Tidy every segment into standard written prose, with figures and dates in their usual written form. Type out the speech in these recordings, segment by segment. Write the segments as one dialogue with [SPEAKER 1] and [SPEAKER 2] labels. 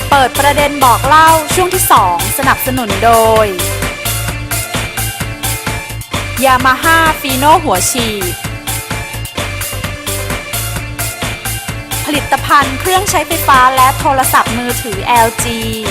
[SPEAKER 1] เปิดประเด็นบอกเล่าช่วงที่ 2 สนับสนุนโดย Yamaha Fino หัวฉีดผลิตภัณฑ์เครื่องใช้ไฟฟ้าและโทรศัพท์มือถือ LG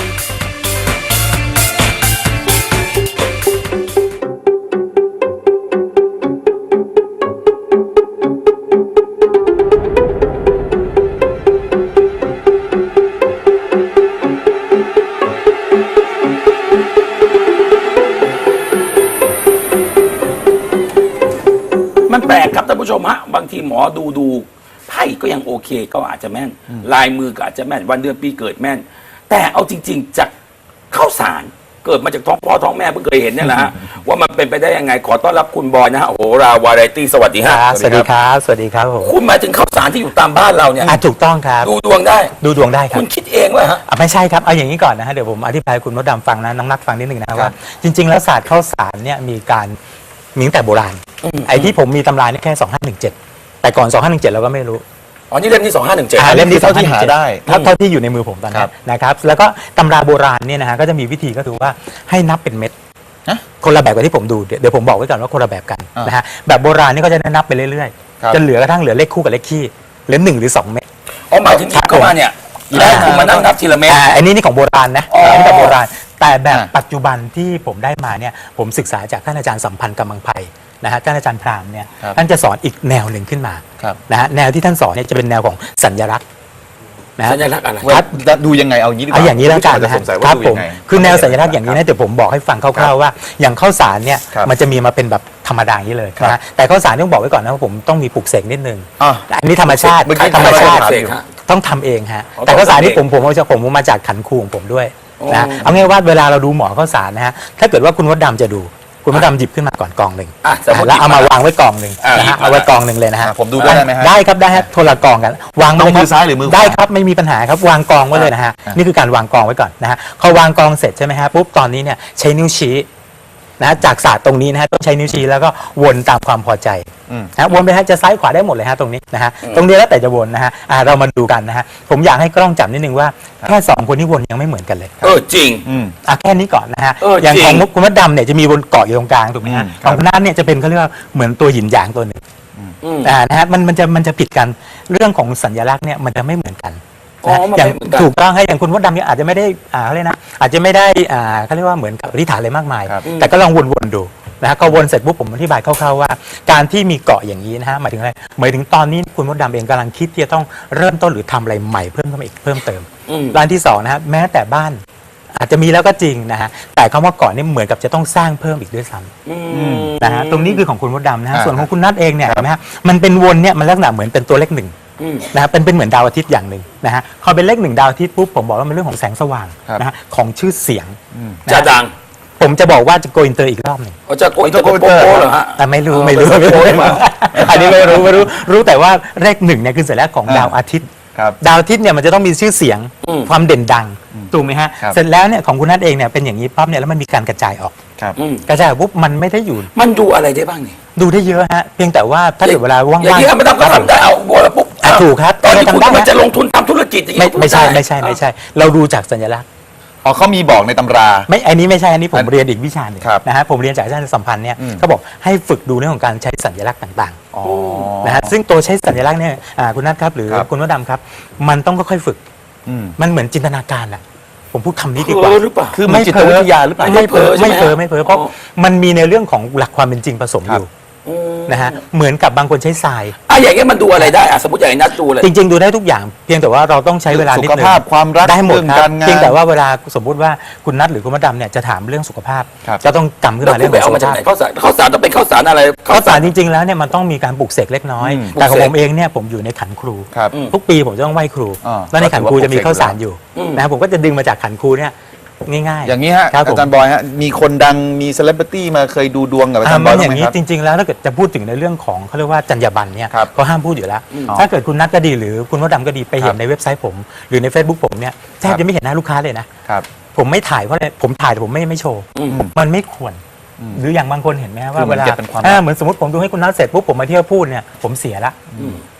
[SPEAKER 2] มันแปลกครับท่านผู้ชมฮะบางทีหมอดูไพ่ก็ยังโอเคก็อาจจะแม่นลายมือก็อาจจะแม่นวันเดือนปีเกิดแม่นแต่เอาจริงๆจากข้าวสารเกิดมาจากท้องพ่อท้องแม่เพิ่งเคยเห็นเนี่ยแหละฮะว่ามันเป็นไปได้ยังไงขอต้อนรับคุณบอยนะฮะโหราวาไรตี้สวัสดีฮะ
[SPEAKER 3] สวัสดีครับสวัสดีครับผม
[SPEAKER 2] คุณหมายถึงข้าวสารที่อยู่ตามบ้านเราเนี่ย
[SPEAKER 3] ถูกต้องครับ
[SPEAKER 2] ดูดวงได้
[SPEAKER 3] ดูดวงได้ครับ
[SPEAKER 2] คุณคิดเองวะฮะ
[SPEAKER 3] ไม่ใช่ครับเอาอย่างนี้ก่อนนะฮะเดี๋ยวผมอธิบายคุณมดดำฟังนะน้องนัทฟังนิดนึงนะว่าจริงๆแล้วศาสตร์ข้าวสารเนี่ยมีตั้งแต่โบราณไอ้ที่ผมมีตำรานี่แค่2517แต่ก่อน2517เราก็ไม่รู้
[SPEAKER 2] อ๋อนี่เล่มที่2517
[SPEAKER 3] เล่มที่
[SPEAKER 4] เท่าที่หาได้
[SPEAKER 3] เท่าที่อยู่ในมือผมตอนนี้นะครับแล้วก็ตำราโบราณเนี่ยนะฮะก็จะมีวิธีก็คือว่าให้นับเป็นเม็ดคนละแบบกับที่ผมดูเดี๋ยวผมบอกไว้ก่อนว่าคนละแบบกันนะฮะแบบโบราณนี่ก็จะนับไปเรื่อยๆจนเหลือกระทั่งเหลือเลขคู่กับเลขคี่เหลือ1 หรือ 2 เม็ด
[SPEAKER 2] อ๋อหมายถึงที่เข้ามาเนี่ยแล้วคุณมานั่งนับทีละเม็ด
[SPEAKER 3] อันนี้ของโบราณนะอันนี้แบบโบราณแต่แบบปัจจุบันที่ผมได้มาเนี่ยผมศึกษาจากท่านอาจารย์สัมพันธ์กำมังไพนะฮะท่านอาจารย์พราหมณ์เนี่ยท่านจะสอนอีกแนวหนึ่งขึ้นมานะฮะแนวที่ท่านสอนเนี่ยจะเป็นแนวของสัญลักษณ์นะ
[SPEAKER 2] สัญลักษณ์อะไร
[SPEAKER 4] ดูยังไงเอางี้ดีกว่า
[SPEAKER 3] เอาอย่างนี้แล้วกันนะฮะครับผมคือแนวสัญลักษณ์อย่างนี้นะเดี๋ยวผมบอกให้ฟังคร่าวๆว่าอย่างข้าวสารเนี่ยมันจะมีมาเป็นแบบธรรมดาอย่างนี้เลยนะฮะแต่ข้าวสารต้องบอกไว้ก่อนนะว่าผมต้องมีปลูกเสกนิดนึงอันนี้ธรรมชาติต้องทำเองฮะแต่ข้าวสารที่ผมมาจากขันครูของผมด้วยนะเอาง่ายว่าเวลาเราดูหมอข้าวสารนะฮะถ้าเกิดว่าคุณมดดำจะดูคุณมดดำหยิบขึ้นมาก่อนกองหนึ่งแล้วเอามาวางไว้กองหนึ่งนะฮะเอาไว้กองหนึ่งเลยนะฮะ
[SPEAKER 4] ผมดูได้ไหมฮะ
[SPEAKER 3] ได้ครับได้ฮะโทรกองกันวาง
[SPEAKER 4] มือซ้ายหรือมือขวา
[SPEAKER 3] ได้ครับไม่มีปัญหาครับวางกองไว้เลยนะฮะนี่คือการวางกองไว้ก่อนนะฮะพอวางกองเสร็จใช่ไหมฮะปุ๊บตอนนี้เนี่ยใช้นิ้วชี้นะจากศาสตร์ตรงนี้นะฮะต้องใช้นิ้วชี้แล้วก็วนตามความพอใจนะวนไปฮะจะซ้ายขวาได้หมดเลยฮะตรงนี้นะฮะตรงนี้แล้วแต่จะวนนะฮะเรามาดูกันนะฮะผมอยากให้กล้องจับนิดนึงว่าแค่2 คนที่วนยังไม่เหมือนกันเลย
[SPEAKER 2] จริง
[SPEAKER 3] แค่นี้ก่อนนะฮะอย่างของคุณมดดำเนี่ยจะมีวนเกาะอยู่ตรงกลางถูกไหมฮะของคุณนัทเนี่ยจะเป็นเขาเรียกว่าเหมือนตัวหยินหยางตัวหนึ่งนะฮะมันจะผิดกันเรื่องของสัญลักษณ์เนี่ยมันจะไม่เหมือนกันอย่างถูกต้องให้อย่างคุณมดดำเนี่ยอาจจะไม่ได้เขาเรียกนะอาจจะไม่ได้เขาเรียกว่าเหมือนกับอธิษฐานอะไรมากมายแต่ก็ลองวนๆดูนะฮะก็วนเสร็จปุ๊บผมอธิบายคร่าวๆว่าการที่มีเกาะอย่างนี้นะฮะหมายถึงอะไรหมายถึงตอนนี้คุณมดดำเองกำลังคิดที่จะต้องเริ่มต้นหรือทำอะไรใหม่เพิ่มเข้ามาอีกเพิ่มเติมด้านที่2นะฮะแม้แต่บ้านอาจจะมีแล้วก็จริงนะฮะแต่คำว่าเกาะนี่เหมือนกับจะต้องสร้างเพิ่มอีกด้วยซ้ำนะฮะตรงนี้คือของคุณมดดำนะฮะส่วนของคุณนัทเองเนี่ยนะฮะมันเป็นวนเนี่ยมันลักษณะเหมือนเป็นตัวเลข1นะฮะเป็นเหมือนดาวอาทิตย์อย่างหนึ่งนะฮะพอเป็นเลข1ดาวอาทิตย์ปุ๊บผมบอกว่ามันเรื่องของแสงสว่างนะฮะของชื่อเสียง
[SPEAKER 2] จะดัง
[SPEAKER 3] ผมจะบอกว่าจะโกอินเตอร์อีกรอบหนึ่ง
[SPEAKER 2] จะโกอินเตอร์โเหรอฮะ
[SPEAKER 3] แต่ไม่รู้อันนี้ไม่รู้แต่ว่าเลข1เนี่ยคือสัญลักษณ์ของดาวอาทิตย์ดาวอาทิตย์เนี่ยมันจะต้องมีชื่อเสียงความเด่นดังถูกไหมฮะเสร็จแล้วเนี่ยของคุณนัทเองเนี่ยเป็นอย่างนี้ปั๊บเนี่ยแล้วมันมีการกระจายออกกระจายปุ๊บมันไม่ได้อยู่
[SPEAKER 2] มันดูอะไรได้บ้างนี่
[SPEAKER 3] ดูได้เยอะฮะเพียงแต่ว่าถ้าเกิดเวลาว่างๆ
[SPEAKER 2] อย่างนี้ทำไม่ได้ก็ทำได้เอาบัวแล้วปุ๊บ
[SPEAKER 3] ถูกครับ
[SPEAKER 2] ตอนนี้คุณมันจะลงทุนทำธุรกิจอย่างนี้
[SPEAKER 3] ไม่ใช่เราดูจากสัญลักษณ์
[SPEAKER 4] เขามีบอกในตำรา
[SPEAKER 3] อันนี้ไม่ใช่อันนี้ผมเรียนอีกวิชาหนึ่งนะฮะผมเรียนจากอาจารย์สัมพันธ์เนี่ยเขาบอกให้ฝึกดูเรื่องของการใช้สัญลักษณ์ต่างๆนะฮะซึ่งตัวใช้สัญลักษณ์เนี่ยคุณนัทครับหรือคุณมดดำครับมันต้องค่อยๆฝึกมันเหมือนจินตนาการอะผมพูดคำนี้ดีกว่า
[SPEAKER 4] คือไม่จิตวิทยาหรือเปล่า
[SPEAKER 3] ไม่เพ้อเพราะมันมีในเรื่องของหลักความเป็นจริงผสมอยู่นะฮะเหมือนกับบางคนใช้ทราย
[SPEAKER 2] อย่างนี้มันดูอะไรได้สมมติอย่างนัดดูเลย
[SPEAKER 3] จริงๆดูได้ทุกอย่างเพียงแต่ว่าเราต้องใช้เวลานิดนึง
[SPEAKER 4] สุขภาพความรัก
[SPEAKER 3] ได้หมดครับเพียงแต่ว่าเวลาสมมติว่าคุณนัทหรือคุณมดดำเนี่ยจะถามเรื่องสุขภาพจะต้องกำขึ้นมาเรื่อง
[SPEAKER 2] สุขภาพข้าวสารต้องเป็นข้าวสารอะไร
[SPEAKER 3] ข้าวสารจริงๆแล้วเนี่ยมันต้องมีการปลูกเสกเล็กน้อยแต่ของผมเองเนี่ยผมอยู่ในขันครูทุกปีผมจะต้องไหว้ครูแล้วในขันครูจะมีข้าวสารอยู่นะผมก็จะดึงมาจากขันครูเนี่ยง่ายๆ
[SPEAKER 4] อย่างนี้ฮะอาจารย์บอยฮะมีคนดังมีเซเลบริตี้มาเคยดูดวงกับอาจารย์บอย
[SPEAKER 3] อย่างนี้จริงๆแล้วถ้าเกิดจะพูดถึงในเรื่องของเขาเรียกว่าจรรยาบรรณเนี่ยเขาห้ามพูดอยู่แล้วถ้าเกิดคุณนัทก็ดีหรือคุณมดดำก็ดีไปเห็นในเว็บไซต์ผมหรือใน Facebook ผมเนี่ยแทบจะไม่เห็นหน้าลูกค้าเลยนะผมไม่ถ่ายเพราะอะไรผมถ่ายแต่ผมไม่โชว์มันไม่ควรหรืออย่างบางคนเห็นไหมว่าเวลาเหมือนสมมติผมดูให้คุณนัทเสร็จปุ๊บผมมาเที่ยวพูดเนี่ยผมเสียละ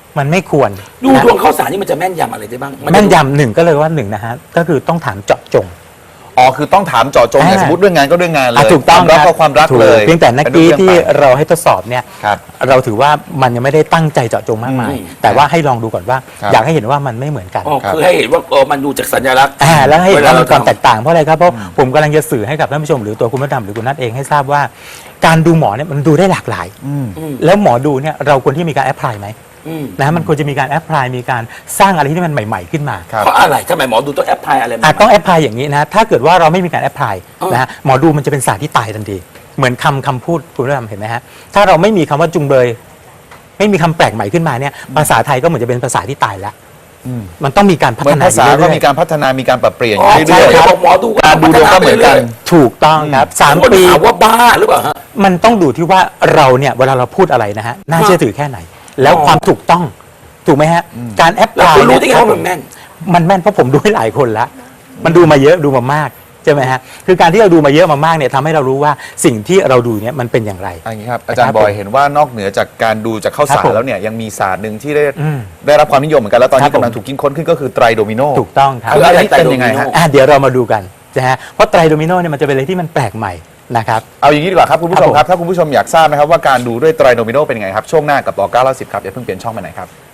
[SPEAKER 3] มันไม่ควร
[SPEAKER 2] ดู
[SPEAKER 3] นะ
[SPEAKER 2] ดวงข้าวสารนี่มันจะแม่นยำอะไรได้บ้าง
[SPEAKER 3] แม่นยำหนึ่งก็เลยว่าหนึ่งนะฮะก็คือต้องถามเจาะจง
[SPEAKER 4] อ๋อคือต้องถามเจาะจงอย่างสมมติเรื่องงานก็เรื่องงานเลย
[SPEAKER 3] ถูกต้อง
[SPEAKER 4] ความรัก
[SPEAKER 3] ค
[SPEAKER 4] ก็
[SPEAKER 3] บ
[SPEAKER 4] ความรัก
[SPEAKER 3] ถู
[SPEAKER 4] เลย
[SPEAKER 3] เพียงแต่นักกี้ที่เราให้ทดสอบเนี่ย
[SPEAKER 4] ครับ
[SPEAKER 3] เราถือว่ามันยังไม่ได้ตั้งใจเจาะจงมากมาย แต่ว่าให้ลองดูก่อนว่า
[SPEAKER 4] ครับ
[SPEAKER 3] อยากให้เห็นว่ามันไม่เหมือนกัน
[SPEAKER 2] อ๋อคือให้เห็นว่ามันดูจากสัญลักษณ์
[SPEAKER 3] แล้วให้เห็นว่ามันความแต
[SPEAKER 2] ท
[SPEAKER 3] กต่างเพราะอะไรครับเพราะผมกำลังจะสื่อให้กับท่านผู้ชมหรือตัวคุณมดดำหรือคุณนัทเองให้ทราบว่า การดูหมอเนี่ยมันดูได้หลากหลาย แล้วหมอดูเนี่ยเราควรที่มีการแอพพลายไหมนะมันควรจะมีการแอพพลายมีการสร้างอะไรที่มันใหม่ๆขึ้นมา
[SPEAKER 4] ครับ
[SPEAKER 2] เพราะอะไรทำไมหมอดูต้องแอปพลายอะไรมา
[SPEAKER 3] ต้องแอพพลายอย่างนี้นะถ้าเกิดว่าเราไม่มีการแอพพลาย
[SPEAKER 2] อ๋อ
[SPEAKER 3] นะฮะหมอดูมันจะเป็นศาสตร์ที่ตายทันทีเหมือนคำพูดคุณผู้ชมเห็นไหมฮะถ้าเราไม่มีคำว่าจุงเบยไม่มีคำแปลกใหม่ขึ้นมาเนี่ยภาษาไทยก็เหมือนจะเป็นภาษาที่ตายแล้วมันต้องมีการพั
[SPEAKER 4] เหมื
[SPEAKER 3] ฒ
[SPEAKER 4] อน
[SPEAKER 3] นา
[SPEAKER 4] ภาษา
[SPEAKER 3] อยู่
[SPEAKER 4] ก็
[SPEAKER 3] เรื่อยๆ
[SPEAKER 4] มีการพัฒนามีการปรับเปลี่ยนอ
[SPEAKER 2] อ๋อยู่
[SPEAKER 4] เรื่อย
[SPEAKER 2] ใช่
[SPEAKER 4] ๆ
[SPEAKER 2] บอกหมอดู
[SPEAKER 4] การดูดวงก็เหมือนกัน
[SPEAKER 3] ถูกต้องครับสาม
[SPEAKER 2] คน
[SPEAKER 3] ปี
[SPEAKER 2] ถามว่าบ้าหรือเปล่าฮะ
[SPEAKER 3] มันต้องดูที่ว่าเราเนี่ยเวลาเราพูดอะไรนะฮะน่าเชื่อถือแค่ไหน แล้วความถูกต้องถูกไหมฮะการแอปพ
[SPEAKER 2] แล้ว
[SPEAKER 3] ลาย
[SPEAKER 2] คุณรู้ได้ไงว่ามันแม่น
[SPEAKER 3] มันแม่นเพราะผมดูให้หลายคนละมันดูมาเยอะดูมามากใช่ไหมฮะคือการที่เราดูมาเยอะมามากเนี่ยทำให้เรารู้ว่าสิ่งที่เราดูเนี่ยมันเป็นอย่างไร
[SPEAKER 4] อย่างนี้ครับอาจารย์บอยเห็นว่านอกเหนือจากการดูจากข้าว
[SPEAKER 3] ครั
[SPEAKER 4] สา
[SPEAKER 3] บ
[SPEAKER 4] ร
[SPEAKER 3] ผม
[SPEAKER 4] แล้วเนี่ยยังมีศาสตร์หนึ่งที่ได้
[SPEAKER 3] อืม
[SPEAKER 4] ได้รับความนิยมเหมือนกันแล้วตอน
[SPEAKER 3] ครั
[SPEAKER 4] นี้
[SPEAKER 3] บผม
[SPEAKER 4] กำลังถูกคิดค้นขึ้นก็คือไตรโดมิโน
[SPEAKER 3] ถูกต้องครับ
[SPEAKER 2] คืออะไร
[SPEAKER 4] เป็นยังไงฮะ
[SPEAKER 3] เดี๋ยวเรามาดูกันนะฮะเพราะไตรโดมิโนเนี่ยมันจะเป็นอะไรที่มันแปลกใหม่นะครับ
[SPEAKER 4] เอาอย่างนี้ดีกว่าครับคุณผู้ชม
[SPEAKER 3] ครับผม
[SPEAKER 4] ครับถ้าคุณผู้ชมอยากทราบนะครับว่าการดูด้วยไตรโดมิโนเป็นยังไงครับช่วงหน้ากับต่อ910ครับอย่าเพิ่งเปลี่ยนช่องไปไหนครับ